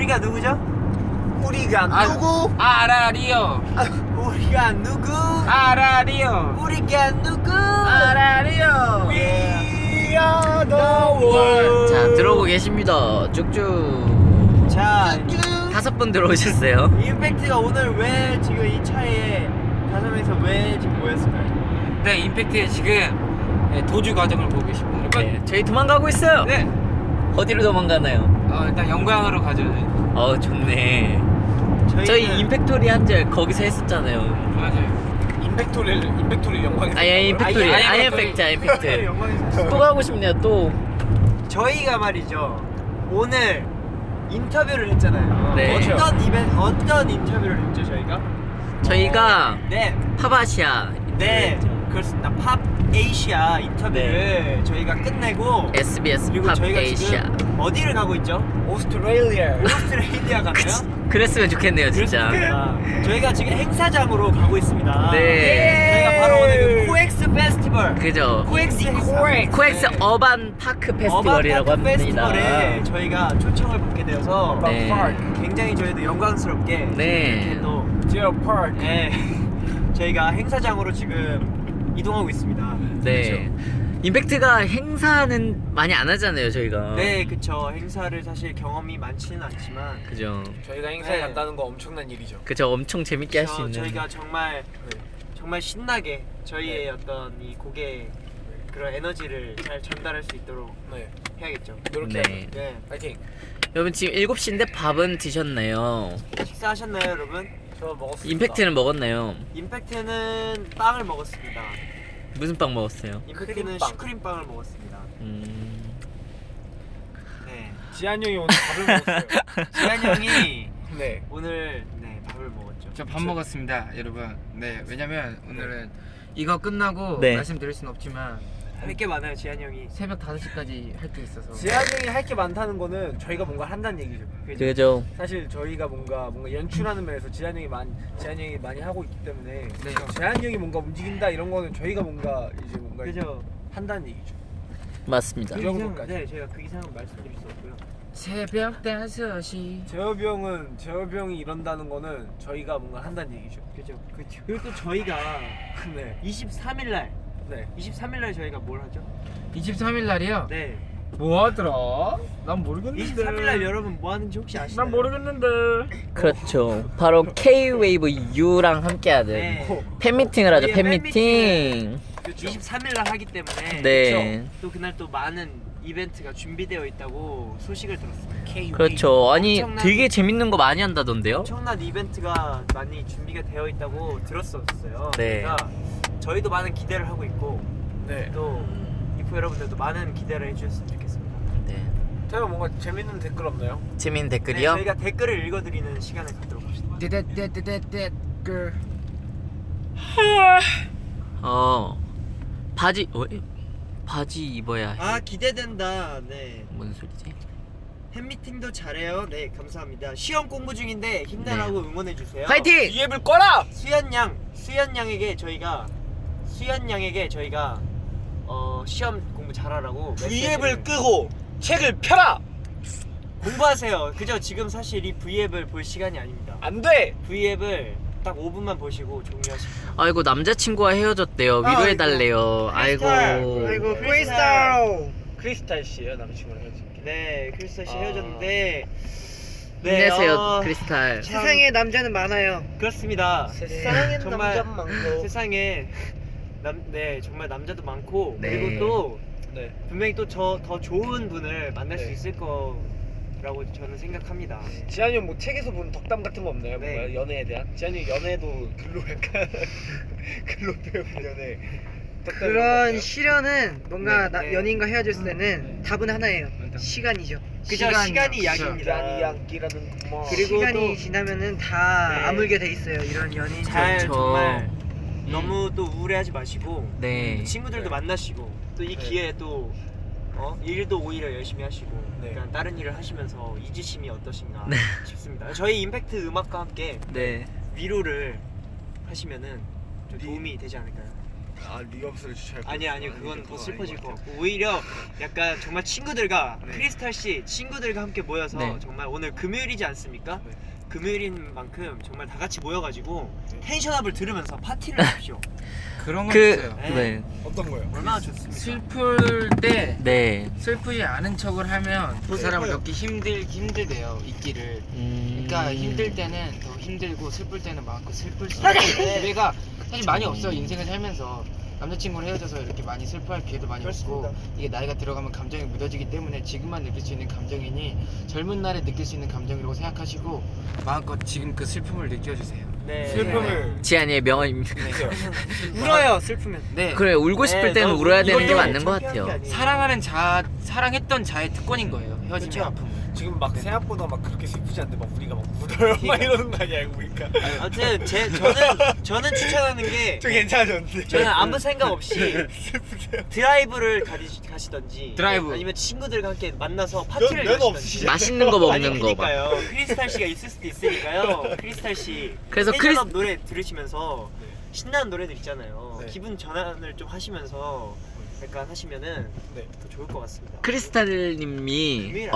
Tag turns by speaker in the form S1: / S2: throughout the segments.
S1: 우리가 누구죠?
S2: 우리가 누구?
S3: 아라리요.
S1: 우리가 누구?
S3: 아라리요.
S1: 우리가 누구?
S3: 아라리요.
S2: We are the world.
S4: 자, 들어오고 계십니다. 쭉쭉.
S1: 자,
S4: 5분 들어오셨어요.
S1: 임팩트가 오늘 왜 지금 이 차에 5명이서 왜 지금 모였을까요?
S3: 네, 임팩트의 지금 도주 과정을 보고 계십니다.
S4: 네, 저희 도망가고 있어요.
S3: 네.
S4: 어디로 도망가나요?
S3: 일단 영광으로 가죠.
S4: 좋네.
S1: 저희는
S4: 저희 임팩토리 한절 거기서 했었잖아요.
S3: 맞아요.
S2: 임팩토리 영광이.
S4: 임팩토리.
S3: 아예
S4: 임팩트. 임팩트.
S1: 영광에서
S4: 또 가고 싶네요. 또.
S1: 저희가 말이죠 오늘 인터뷰를 했잖아요.
S4: 네.
S1: 어떤 인터뷰를 했죠
S4: 저희가
S1: 네,
S4: 팝아시아.
S1: 네, 그렇습니다. 팝 에이시아 인터뷰를 저희가 끝내고
S4: SBS
S1: 그리고
S4: 팝
S1: 저희가
S4: 에이시아.
S1: 지금 어디를 가고 있죠?
S2: 오스트레일리아.
S1: 오스트레일리아 가나요?
S4: 그랬으면 좋겠네요, 진짜.
S1: 그렇습니다. 저희가 지금 행사장으로 가고 있습니다.
S4: 네.
S1: 저희가 바로 오늘 그 코엑스 페스티벌.
S4: 그죠.
S1: 코엑스 행사.
S4: 코엑스 어반 파크 페스티벌이라고
S1: 어반 파크
S4: 합니다.
S1: 페스티벌에 저희가 초청을 받게 되어서
S4: 네.
S1: 굉장히 저희도 영광스럽게
S4: 네.
S1: 이렇게 또
S2: 디어 파크.
S1: 네, 저희가 행사장으로 지금 이동하고 있습니다.
S4: 네. 임팩트가 행사는 많이 안 하잖아요, 저희가.
S1: 네, 그쵸. 행사를 사실 경험이 많지는 않지만
S4: 그죠.
S2: 저희가 행사에
S1: 네.
S2: 간다는 거 엄청난 일이죠.
S4: 그죠. 엄청 재밌게 할 수 있는.
S1: 저희가 정말 신나게 저희의 어떤 이 곡의 그런 에너지를 잘 전달할 수 있도록
S2: 네.
S1: 해야겠죠.
S2: 이렇게.
S4: 네.
S1: 네.
S2: 파이팅.
S4: 여러분 지금 7시인데 밥은 드셨나요?
S1: 식사하셨나요, 여러분?
S2: 저 먹었습니다.
S4: 임팩트는 먹었나요?
S1: 임팩트는 빵을 먹었습니다.
S4: 무슨 빵 먹었어요?
S1: 임팩트는
S2: 크림빵.
S1: 슈크림빵을 먹었습니다. 네.
S2: 지한 형이 오늘 밥을 먹었어요.
S1: 지한 형이
S2: 네.
S1: 오늘 밥을 먹었죠.
S3: 저 밥 먹었습니다, 여러분. 네, 왜냐면 오늘은 이거 끝나고
S4: 네.
S3: 말씀드릴 순 없지만
S1: 할 게 많아요, 지한 형이.
S3: 새벽 5시까지 할 게 있어서.
S2: 지한 형이 할 게 많다는 거는 저희가 뭔가 한다는 얘기죠.
S4: 그죠.
S2: 사실 저희가 뭔가 연출하는 면에서 지한 형이 많이 하고 있기 때문에
S3: 네.
S2: 지한 형이 뭔가 움직인다 이런 거는 저희가 뭔가 이제 뭔가
S1: 그죠.
S2: 한다는 얘기죠.
S4: 맞습니다.
S2: 그 정도까지.
S1: 네, 저희가 그 이상은 말씀드릴 수 없고요.
S3: 새벽 5시.
S2: 재엽이 형이 이런다는 거는 저희가 뭔가 한다는 얘기죠.
S1: 그죠. 그렇죠. 그리고 또 저희가
S2: 네.
S1: 23일 날
S2: 네.
S1: 23일 날 저희가 뭘 하죠?
S3: 23일 날이요?
S1: 네.
S3: 뭐 하더라? 난 모르겠는데.
S1: 23일 날 여러분 뭐 하는지 혹시 아시나요?
S3: 난 모르겠는데.
S4: 그렇죠. 바로 K-웨이브 U랑 함께하는
S1: 네.
S4: 팬미팅을 하죠.
S1: 저희의
S4: 팬미팅.
S1: 23일 날 하기 때문에
S4: 네.
S1: 또 그날 또 많은 이벤트가 준비되어 있다고 소식을 들었습니다.
S4: 그렇죠. 아니
S1: 엄청난-
S4: 되게 재밌는 거 많이 한다던데요?
S1: 엄청난 이벤트가 많이 준비가 되어 있다고 들었었어요.
S4: 네.
S1: 그러니까 저희도 많은 기대를 하고 있고
S2: 네.
S1: 또 이프 여러분들도 많은 기대를 해주셨으면 좋겠습니다.
S4: 네.
S2: 제가 뭔가 재밌는 댓글 없나요?
S4: 재밌는
S1: 네,
S4: 댓글이요?
S1: 저희가 댓글을 읽어드리는 시간을 갖도록 합시다.
S3: 댓글.
S4: 바지 입어야 해.
S1: 아, 기대된다. 네.
S4: 뭔 소리지?
S1: 팬미팅도 잘해요. 네, 감사합니다. 시험 공부 중인데 힘내라고 응원해 주세요.
S4: 화이팅!
S2: 이앱을 꺼라!
S1: 수연 양에게 저희가 시험 공부 잘하라고
S2: V앱을 끄고 책을 펴라!
S1: 공부하세요. 그죠? 지금 사실 이 V앱을 볼 시간이 아닙니다.
S2: 안 돼!
S1: V앱을 딱 5분만 보시고 종료하시고.
S4: 아이고 남자친구와 헤어졌대요. 위로해달래요. 아이고.
S2: 크리스탈 씨예요 남친구랑 헤어진 게.
S1: 네, 크리스탈 씨
S2: 아.
S1: 헤어졌는데.
S4: 힘내세요, 크리스탈.
S5: 세상에 남자는 많아요.
S1: 그렇습니다.
S5: 세상엔
S1: 정말
S5: 남자는 많고.
S1: 세상에 정말 남자도 많고
S4: 네.
S1: 그리고 또
S2: 네.
S1: 분명히 또 더 좋은 분을 만날 수
S2: 네.
S1: 있을 거라고 저는 생각합니다.
S2: 지한이 형 뭐 책에서 본 덕담 같은 거 없나요?
S1: 네.
S2: 뭔가 연애에 대한? 지한이 형 연애도 글로 약간 글로 배운 연애 덕담 이런 거
S5: 그런
S2: 없나요?
S5: 시련은 뭔가
S1: 네, 네.
S5: 연인과 헤어졌을 때는 답은 하나예요. 시간이죠.
S1: 그죠? 시간이 약입니다.
S2: 지한이 양기라는 뭐
S1: 그리고
S5: 시간이
S1: 또-
S5: 지나면은 다
S1: 네.
S5: 아물게 돼 있어요. 이런 연인.
S1: 잘
S4: 그렇죠.
S1: 정말 너무 또 우울해하지 마시고
S4: 네.
S1: 친구들도
S2: 네.
S1: 만나시고 또 이
S2: 네.
S1: 기회에 또 일도 오히려 열심히 하시고
S2: 네.
S1: 약간 다른 일을 하시면서 이지심이 어떠신가
S4: 네.
S1: 싶습니다. 저희 임팩트 음악과 함께
S4: 네.
S1: 위로를 하시면은 좀 도움이 되지 않을까요?
S2: 리업스를 추천할
S1: 아니 그건 더 슬퍼질 것 같고 오히려 약간 정말 친구들과
S2: 네.
S1: 크리스탈 씨 친구들과 함께 모여서
S4: 네.
S1: 정말 오늘 금요일이지 않습니까?
S2: 네.
S1: 금요일인 만큼 정말 다 같이 모여가지고 텐션업을 들으면서 파티를 하십시오.
S3: 그런 건
S4: 그
S3: 있어요.
S4: 네.
S2: 어떤 거요?
S1: 얼마나 좋습니까?
S3: 슬플 때
S4: 네.
S3: 슬프지 않은 척을 하면 그 사람을
S2: 슬퍼요.
S3: 넣기 힘들대요 있기를. 그러니까 힘들 때는 더 힘들고 슬플 때는 많고 슬플 수 있는 기회가 사실 많이 없어. 인생을 살면서 남자친구랑 헤어져서 이렇게 많이 슬퍼할 기회도 많이 없고 이게 나이가 들어가면 감정이 묻어지기 때문에 지금만 느낄 수 있는 감정이니 젊은 날에 느낄 수 있는 감정이라고 생각하시고 마음껏 지금 그 슬픔을 느껴주세요.
S1: 네.
S2: 슬픔을
S4: 지한이의 명언입니다.
S1: 울어요 슬프면.
S3: 네.
S4: 그래 울고 싶을 때는
S1: 너
S4: 울어야 되는 게
S1: 이것도
S4: 맞는 것
S1: 창피한 게
S4: 같아요.
S1: 아니에요.
S3: 사랑했던 자의 특권인 거예요. 헤어짐의
S1: 그쵸.
S3: 아픔은.
S2: 지금 막 생각보다 막 그렇게 슬프지 않는데 막 우리가 막 울어요 막 이러는 거 아니야 알고 보니까
S1: 아무튼 저는 추천하는 게
S2: 저 괜찮아졌는데
S1: 저는 아무 생각 없이
S2: 슬프세요?
S1: 드라이브를 가시던지
S3: 드라이브.
S1: 아니면 친구들과 함께 만나서 파티를
S2: 면
S1: 여시던지
S2: 없으시죠?
S4: 맛있는 거
S1: 아니
S4: 먹는 거 막.
S1: 그니까요 크리스탈 씨가 있을 수도 있으니까요 크리스탈 씨
S4: 그래서
S1: 텐션업 노래 들으시면서
S2: 네.
S1: 신나는 노래들 있잖아요
S2: 네.
S1: 기분 전환을 좀 하시면서 약간 하시면은
S2: 네.
S1: 더 좋을 것 같습니다
S4: 크리스탈님이
S1: 금일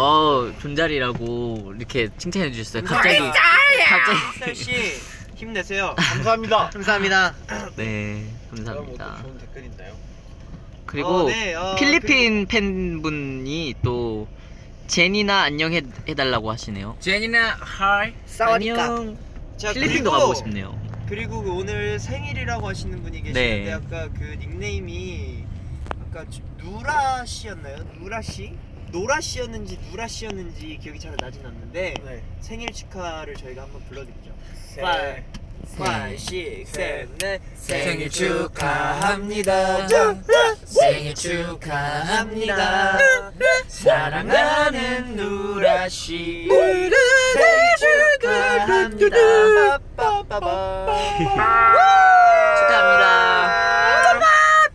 S4: 존잘이라고 이렇게 칭찬해 주셨어요. 갑자기
S1: 크리스탈 씨 힘내세요
S2: 감사합니다
S5: 감사합니다.
S4: 네
S2: 그럼
S4: 감사합니다.
S2: 뭐 좋은 댓글 있나요?
S4: 그리고
S1: 네,
S4: 필리핀 팬분이 또 제니나 안녕 해달라고 하시네요.
S3: 제니나 하이.
S5: 사와디카.
S4: 안녕.
S1: 자,
S4: 필리핀도
S1: 그리고-
S4: 가보고 싶네요.
S1: 그리고 그 오늘 생일이라고 하시는 분이 계시는데
S4: 네.
S1: 아까 그 닉네임이 아까 누라 씨였나요? 누라 씨? 노라 씨였는지 누라 씨였는지 기억이 잘 나진 않는데
S2: 네.
S1: 생일 축하를 저희가 한번 불러드리죠.
S2: 네.
S1: 5, 6, 7, 8
S3: 생일 축하합니다.
S1: 생일 축하합니다. 사랑하는 누라 씨 생일 축하합니다.
S4: 축하합니다.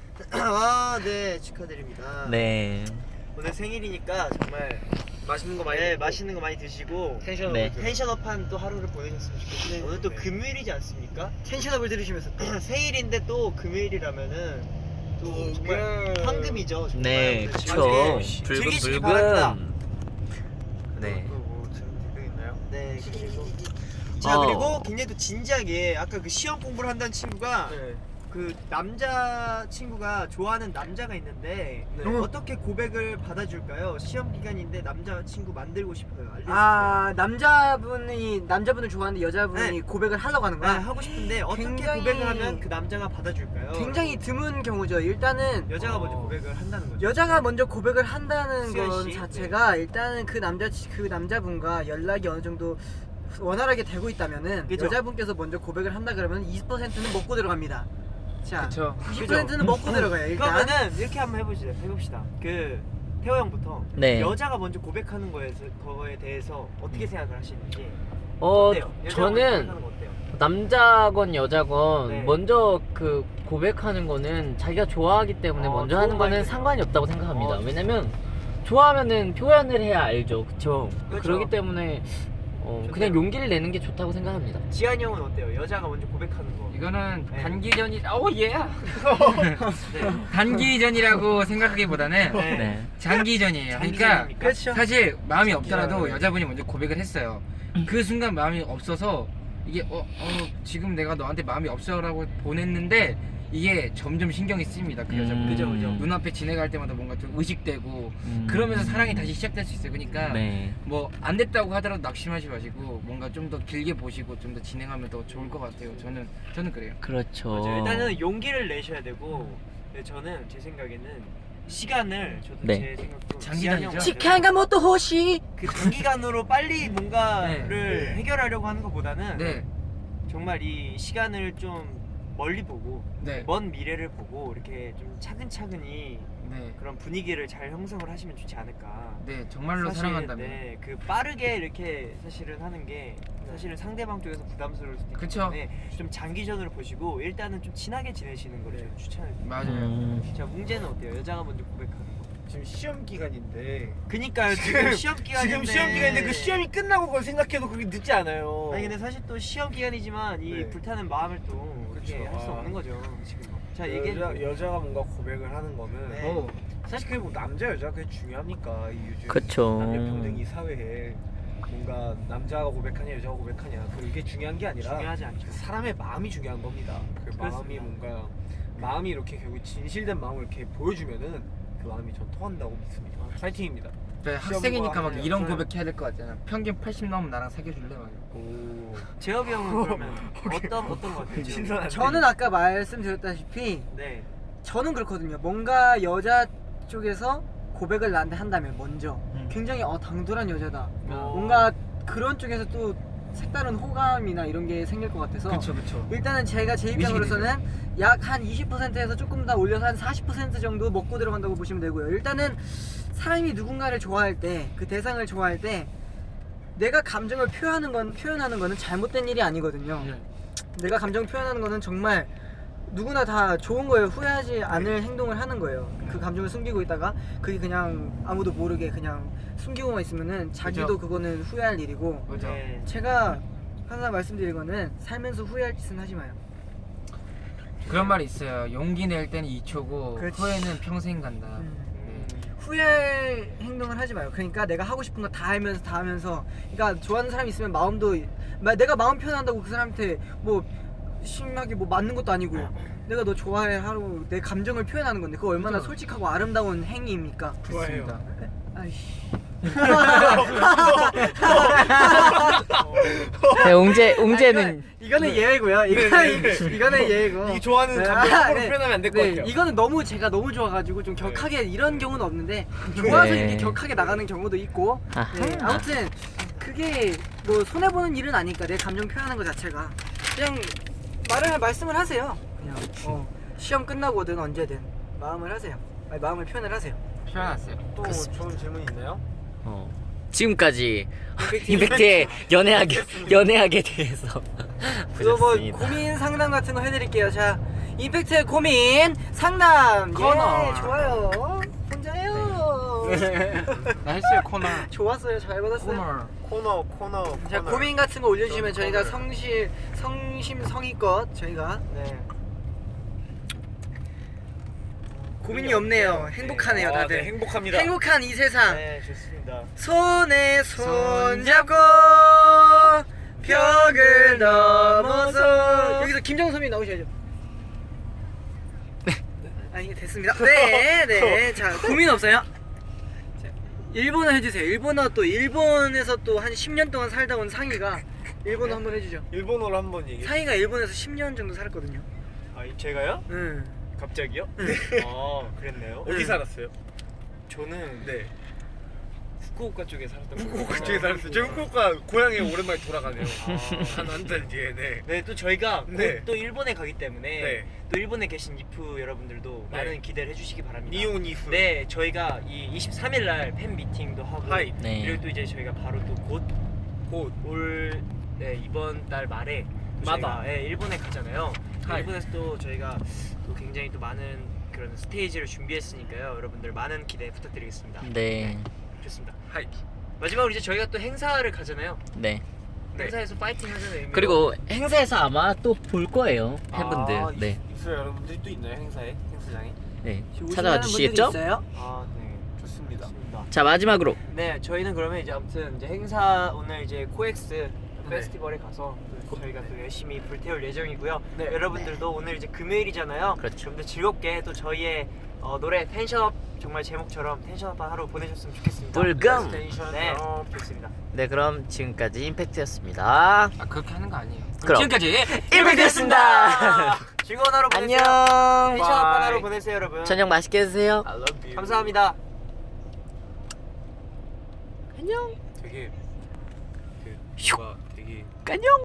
S1: 아, 네 축하드립니다.
S4: 네.
S1: 오늘 생일이니까 정말
S2: 맛있는 거 많이
S1: 네,
S2: 먹고
S1: 맛있는 거 많이 드시고
S2: 텐션
S4: 네.
S1: 텐션업한 또 하루를 보내셨으면 좋겠어요. 오늘 또
S2: 네.
S1: 금요일이지 않습니까?
S5: 텐션업을 들으시면서 또
S1: 생일인데 또 금요일이라면은 또 정말 황금이죠. 정말.
S4: 네,
S1: 오늘
S4: 그쵸.
S1: 즐기게 즐기시기 바랍니다.
S4: 불금. 네.
S2: 뭐 지금 댓글 있나요?
S1: 네, 그리고 자
S4: 어.
S1: 그리고 굉장히 또 진지하게 아까 그 시험 공부를 한다는 친구가
S2: 네.
S1: 그 남자 친구가 좋아하는 남자가 있는데
S2: 네.
S1: 어떻게 고백을 받아줄까요? 시험 기간인데 남자 친구 만들고 싶어요. 알려주세요.
S5: 아 남자분을 좋아하는데 여자분이
S1: 네.
S5: 고백을 하려고 하는 거야.
S1: 하고 싶은데 어떻게
S5: 굉장히-
S1: 고백을 하면 그 남자가 받아줄까요?
S5: 굉장히 드문 경우죠. 일단은
S1: 여자가 먼저 고백을 한다는 거죠.
S5: 여자가 먼저 고백을 한다는
S1: 수현
S5: 건
S1: 씨?
S5: 자체가 일단은 그 남자분과 연락이 어느 정도 원활하게 되고 있다면은
S1: 그죠?
S5: 여자분께서 먼저 고백을 한다 그러면 20%는 먹고 들어갑니다. 자,
S3: 그쵸.
S5: 20%는 먹고 들어가요. 일단
S1: 그러면은 이렇게 한번 해봅시다. 그 태호 형부터
S4: 네.
S1: 여자가 먼저 고백하는 거에 대해서 어떻게 생각을 하시는지
S4: 어
S1: 어때요? 여자가 먼저
S4: 저는
S1: 고백하는 거 어때요?
S4: 남자건 여자건
S1: 네.
S4: 먼저 그 고백하는 거는 자기가 좋아하기 때문에 먼저 하는
S1: 좋은
S4: 거는
S1: 마인드네요.
S4: 상관이 없다고 생각합니다.
S1: 좋습니다.
S4: 왜냐면 좋아하면은 표현을 해야 알죠, 그쵸?
S1: 그쵸.
S4: 그렇기 때문에 그냥
S1: 좋네요.
S4: 용기를 내는 게 좋다고 생각합니다.
S1: 지한이 형은 어때요? 여자가 먼저 고백하는 거.
S3: 이거는
S1: 네.
S3: 단기전이 예.
S1: 네.
S3: 단기전이라고 생각하기보다는
S4: 네.
S3: 장기전이에요. 그러니까
S1: 장기전입니까?
S5: 그렇죠.
S3: 사실 마음이 없더라도
S1: 장기전.
S3: 여자분이 먼저 고백을 했어요. 그 순간 마음이 없어서 이게 지금 내가 너한테 마음이 없어라고 보냈는데 이게 점점 신경이 쓰입니다. 그 여자분.
S1: 그죠.
S3: 눈앞에 지나갈 때마다 뭔가 좀 의식되고 그러면서 사랑이 다시 시작될 수 있어요. 그러니까
S4: 네.
S3: 뭐 안 됐다고 하더라도 낙심하지 마시고 뭔가 좀 더 길게 보시고 좀 더 진행하면 더 좋을 것 같아요. 저는 그래요.
S4: 그렇죠.
S1: 맞아요. 일단은 용기를 내셔야 되고 네, 저는 제 생각에는 시간을 저도
S4: 네.
S1: 제 생각도
S3: 장기전이죠.
S1: 지한이 형한테는
S5: 치카가 뭐또 호시
S1: 그 단기간으로 빨리 뭔가를
S2: 네.
S1: 해결하려고 하는 것보다는
S3: 네,
S1: 정말 이 시간을 좀 멀리 보고
S3: 네,
S1: 먼 미래를 보고 이렇게 좀 차근차근히
S3: 네,
S1: 그런 분위기를 잘 형성을 하시면 좋지 않을까.
S3: 네, 정말로
S1: 사실,
S3: 사랑한다면.
S1: 네, 그 빠르게 이렇게 사실은 하는 게 사실은 상대방 쪽에서 부담스러울 수도 있기
S3: 그쵸.
S1: 때문에 좀 장기전으로 보시고 일단은 좀 친하게 지내시는 걸 좀 추천해드립니다.
S3: 맞아요.
S1: 자 문제는 어때요? 여자가 먼저 고백하는 거.
S2: 지금 시험 기간인데
S1: 그니까요 지금 시험 기간인데
S2: 지금 시험 기간인데 그 시험이 끝나고 그걸 생각해도 그게 늦지 않아요.
S1: 아니 근데 사실 또 시험 기간이지만 이
S2: 네.
S1: 불타는 마음을 또 이렇게
S2: 그쵸.
S1: 할 수
S2: 아.
S1: 없는 거죠 지금. 자 얘기해.
S2: 여자가 뭔가 고백을 하는 거는
S1: 네.
S2: 사실 그게 뭐 남자 여자 그게 중요합니까? 이 요즘
S4: 그쵸.
S2: 남녀 평등 이 사회에 뭔가 남자가 고백하냐 여자가 고백하냐 그게 중요한 게 아니라
S1: 중요하지 않죠.
S2: 그 사람의 마음이 중요한 겁니다. 그 마음이
S1: 그렇습니다.
S2: 뭔가 마음이 이렇게 결국 진실된 마음을 이렇게 보여주면은 그 마음이 전 통한다고 믿습니다. 파이팅입니다.
S3: 네, 학생이니까 막
S2: 하면
S3: 이런
S1: 저는-
S3: 고백해야 될 것 같잖아. 평균 80 넘으면 나랑 사귀어줄래? 막.
S2: 오.
S1: 재혁이 형은 그러면 어떤 거 같아요?
S2: 신선한.
S5: 저는 아까 말씀드렸다시피
S1: 네.
S5: 저는 그렇거든요. 뭔가 여자 쪽에서 고백을 나한테 한다면 먼저 굉장히 당돌한 여자다. 뭔가 그런 쪽에서 또 색다른 호감이나 이런 게 생길 것 같아서
S3: 그쵸.
S5: 일단은 제가 제 입장으로서는 약 한 20%에서 조금 더 올려서 한 40% 정도 먹고 들어간다고 보시면 되고요. 일단은 사람이 누군가를 좋아할 때 그 대상을 좋아할 때 내가 감정을 표현하는 거는 잘못된 일이 아니거든요. 내가 감정을 표현하는 거는 정말 누구나 다 좋은 거예요. 후회하지 않을 행동을 하는 거예요. 그 감정을 숨기고 있다가 그게 그냥 아무도 모르게 그냥 숨기고만 있으면은 자기도
S3: 그죠.
S5: 그거는 후회할 일이고
S3: 그죠.
S1: 네.
S5: 제가 항상 말씀드린 거는 살면서 후회할 짓은 하지 마요.
S3: 그런 말이 있어요. 용기 낼 때는 2초고
S5: 그렇지.
S3: 후회는 평생 간다.
S5: 후회할 행동을 하지 마요. 그러니까 내가 하고 싶은 거 다 하면서 그러니까 좋아하는 사람이 있으면 마음도 내가 마음 표현한다고 그 사람한테 뭐 심하게 뭐 맞는 것도 아니고 내가 너 좋아해 하고 내 감정을 표현하는 건데 그거 얼마나
S3: 그죠.
S5: 솔직하고 아름다운 행위입니까?
S3: 좋아해요.
S5: 아이씨.
S4: 네, 웅재는
S5: 이거는 예외고요. 이거는 예외고.
S2: 이 좋아하는 감정 함부로 표현하면 안 될 것 같아요.
S5: 이거는 너무 제가 너무 좋아가지고 좀 격하게 이런 경우는 없는데 좋아서
S4: 네.
S5: 이렇게 격하게 나가는 경우도 있고.
S4: 아하.
S5: 네, 아무튼 그게 뭐 손해 보는 일은 아니까 내 감정 표현하는 것 자체가 그냥 말씀을 하세요. 그냥 시험 끝나고든 언제든 마음을 하세요. 아니, 마음을 표현을 하세요.
S3: 표현하세요.
S2: 또 좋은 질문 있나요?
S4: 지금까지 임팩트의 연애학에 대해서
S5: 그거 뭐
S4: 보셨습니다.
S5: 고민 상담 같은 거 해드릴게요. 자, 임팩트의 고민 상담.
S3: 코너.
S5: 예, 좋아요. 혼자요.
S3: 나 했어요 코너.
S5: 좋았어요. 잘 받았어요.
S3: 코너.
S5: 자, 고민 같은 거 올려주시면 저희가 성심성의껏 저희가
S1: 네.
S5: 고민이 없네요. 행복하네요, 다들.
S2: 네, 행복합니다.
S5: 행복한 이 세상.
S1: 네, 좋습니다.
S5: 손에 손 잡고 벽을 넘어서 여기서 김정섭이 나오셔야죠. 아 이게 됐습니다. 네. 자 고민 없어요? 자, 일본어 해주세요. 일본어 또 일본에서 또 한 10년 동안 살다 온 상희가 일본어 한번 해주죠.
S2: 일본어로 한번 얘기해.
S5: 상희가 일본에서 10년 정도 살았거든요.
S1: 아, 제가요?
S5: 응.
S1: 갑자기요? 아, 그랬네요.
S2: 어디 살았어요?
S1: 저는
S2: 네.
S1: 후쿠오카 쪽에 살았던
S2: 후쿠오카 쪽에 살았어요. 저 후쿠오카 고향에 오랜만에 돌아가네요.
S1: 아.
S2: 한 달 뒤에. 네.
S1: 네, 또 저희가
S2: 네.
S1: 곧 또 일본에 가기 때문에
S2: 네.
S1: 또 일본에 계신 이프 여러분들도
S2: 네.
S1: 많은 기대를 해주시기 바랍니다.
S2: 니온 이프.
S1: 네, 저희가 이 23일 날 팬 미팅도 하고
S2: 하이.
S4: 네.
S1: 그리고 또 이제 저희가 바로 또 곧 올 이번 달 말에 또
S2: 마다.
S1: 저희가 일본에 가잖아요.
S2: 하이.
S1: 일본에서 또 저희가 또 굉장히 또 많은 그런 스테이지를 준비했으니까요. 여러분들 많은 기대 부탁드리겠습니다.
S4: 네.
S1: 좋습니다.
S2: 하이.
S1: 마지막으로 이제 저희가 또 행사를 가잖아요.
S4: 네.
S2: 네.
S1: 행사에서 파이팅 하자는 의미로
S4: 그리고 행사에서 아마 또 볼 거예요, 팬분들. 네.
S2: 입술 여러분들이 또 있나요 행사에? 행사장에?
S4: 네.
S5: 오시는
S4: 찾아와
S5: 분들이
S4: 주시겠죠?
S5: 있어요?
S1: 아, 네.
S2: 좋습니다.
S1: 좋습니다.
S4: 자, 마지막으로
S1: 네, 저희는 그러면 이제 아무튼 이제 행사 오늘 이제 코엑스 페스티벌에 가서 또 저희가 또 열심히 불태울 예정이고요.
S2: 네.
S1: 여러분들도 오늘 이제 금요일이잖아요.
S4: 그렇죠.
S1: 좀 더 즐겁게 또 저희의 노래 텐션업 정말 제목처럼 텐션업한 하루 보내셨으면 좋겠습니다.
S4: 불금!
S1: 네, 좋습니다.
S4: 네, 그럼 지금까지 임팩트였습니다.
S3: 아 그렇게 하는 거 아니에요.
S4: 그럼.
S3: 지금까지
S4: 임팩트였습니다.
S1: 즐거운 하루 보내세요.
S4: 안녕.
S1: 텐션업한 하루 보내세요, 여러분.
S4: 저녁 맛있게 드세요.
S2: I love you.
S1: 감사합니다.
S4: 안녕.
S2: 되게 뭔가 되게
S4: 안녕.